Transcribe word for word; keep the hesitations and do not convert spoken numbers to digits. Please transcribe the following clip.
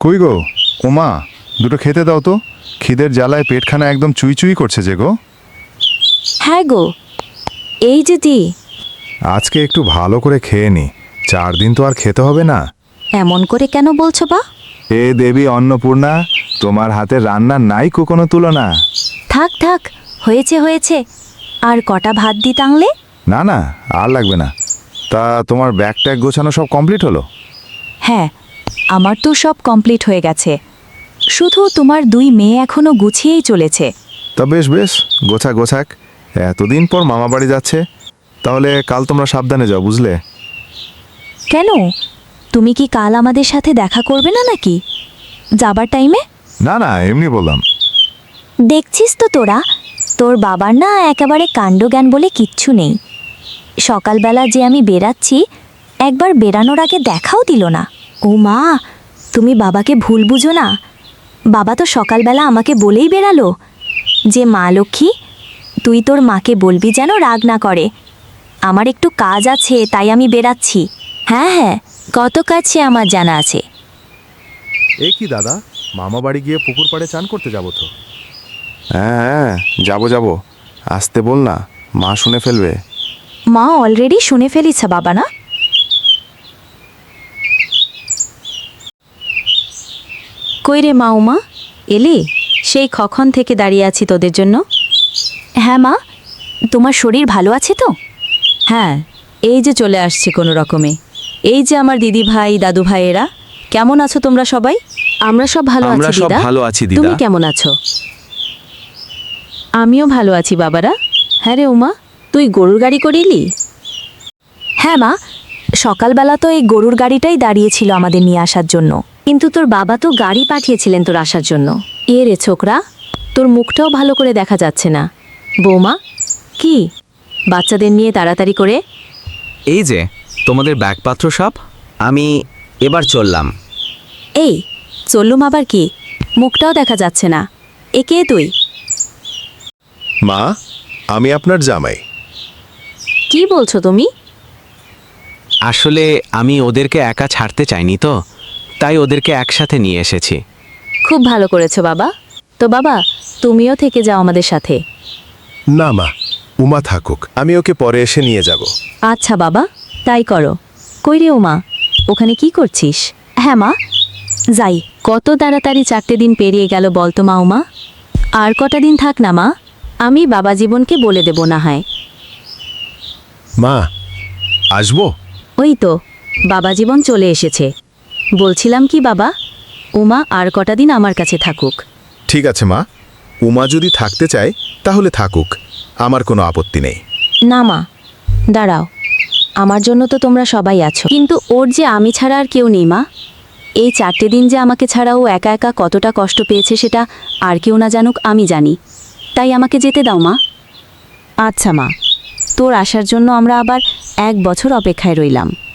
কই গো ওমা, দুটো খেতে দাও তো। খিদের জ্বালায় পেটখানা একদম চুই চুই করছে যে গো। হ্যাঁ গো, এই যে দি। আজকে একটু ভালো করে খেয়ে নি, চার দিন তো আর খেতে হবে না। এমন করে কেন বলছো বা? এ দেবী অন্নপূর্ণা, তোমার হাতের রান্নার নাই কো কোনো তুলনা। থাক থাক, হয়েছে হয়েছে। আর কটা ভাত দি টাংলে? না না, আর লাগবে না। তা তোমার ব্যাগ ট্যাগ গোছানো সব কমপ্লিট হলো? হ্যাঁ, আমার তো সব কমপ্লিট হয়ে গেছে। শুধু তোমার দুই মেয়ে এখনো গুছিয়েই চলেছে। তা বেশ বেশ, গোছাক গোছাক। এতদিন পর মামা বাড়ি যাচ্ছে, তাহলে কাল তোমরা সাবধানে যাও, বুঝলে? কেন, তুমি কি কাল আমাদের সাথে দেখা করবে না নাকি যাবার টাইমে? না না, এমনি বললাম। দেখছিস তো তোরা, তোর বাবার না একেবারে কাণ্ডজ্ঞান বলে কিচ্ছু নেই। সকালবেলা যে আমি বেরাচ্ছি, একবার বেরানোর আগে দেখাও দিল না। ও মা, তুমি বাবাকে ভুল বুঝো না। বাবা তো সকালবেলা আমাকে বলেই বেরালো যে মা লক্ষ্মী, তুই তোর মাকে বলবি যেন রাগ না করে। আমার একটু কাজ আছে, তাই আমি বেরাচ্ছি। হ্যাঁ হ্যাঁ, কত কাজ সে আমার জানা আছে। এ কি দাদা, মামা বাড়ি গিয়ে পুকুর পাড়ে চান করতে যাবো তো? হ্যাঁ হ্যাঁ, যাবো যাবো। আসতে বল না, মা শুনে ফেলবে। মা অলরেডি শুনে ফেলিছে বাবা না? কই রে মা, উমা এলি? সেই কখন থেকে দাঁড়িয়ে আছি তোদের জন্য। হ্যাঁ মা, তোমার শরীর ভালো আছে তো? হ্যাঁ, এই যে চলে আসছি কোনো রকমে। এই যে আমার দিদি ভাই দাদু ভাইয়েরা, কেমন আছো তোমরা সবাই? আমরা সব ভালো আমরা আছি সব দিদা। ভালো আছি দিদা। তুমি কেমন আছো? আমিও ভালো আছি বাবারা। হ্যাঁ রে উমা, তুই গরুর গাড়ি করিলি? হ্যাঁ মা, সকালবেলা তো এই গরুর গাড়িটাই দাঁড়িয়েছিল আমাদের নিয়ে আসার জন্য। কিন্তু তোর বাবা তো গাড়ি পাঠিয়েছিলেন তোর আসার জন্য। এ রে ছোকরা, তোর মুখটাও ভালো করে দেখা যাচ্ছে না। বৌমা, কি বাচ্চাদের নিয়ে তাড়াতাড়ি করে? এই যে তোমাদের ব্যাগপত্র সব, আমি এবার চললাম। এই চললুম আবার কি? মুখটাও দেখা যাচ্ছে না। এ কে তুই? মা, আমি আপনার জামাই। কি বলছো তুমি? আসলে আমি ওদেরকে একা ছাড়তে চাইনি, তো তাই ওদেরকে একসাথে নিয়ে এসেছি। খুব ভালো করেছো বাবা। তো বাবা, তুমিও থেকে যাও আমাদের সাথে। না মা, উমা থাকুক, আমি ওকে পরে এসে নিয়ে যাব। আচ্ছা বাবা, তাই করো। কই রে উমা, ওখানে কি করছিস? হ্যাঁ মা, যাই। কত তাড়াতাড়ি চারটে দিন পেরিয়ে গেল বলতো মা উমা। আর কটা দিন থাক না মা, আমি বাবা জীবনকে বলে দেব না হয়। মা, আসবো? ওই তো বাবা জীবন চলে এসেছে। বলছিলাম কি বাবা, উমা আর কটা দিন আমার কাছে থাকুক। ঠিক আছে মা, উমা যদি থাকতে চায় তাহলে থাকুক, আমার কোনো আপত্তি নেই। না মা, দাঁড়াও। আমার জন্য তো তোমরা সবাই আছো, কিন্তু ওর যে আমি ছাড়া আর কেউ নেই মা। এই চারটে দিন যে আমাকে ছাড়া ও একা একা কতটা কষ্ট পেয়েছে সেটা আর কেউ না জানুক, আমি জানি। তাই আমাকে যেতে দাও মা। আচ্ছা মা, তোর আসার জন্য আমরা আবার এক বছর অপেক্ষায় রইলাম।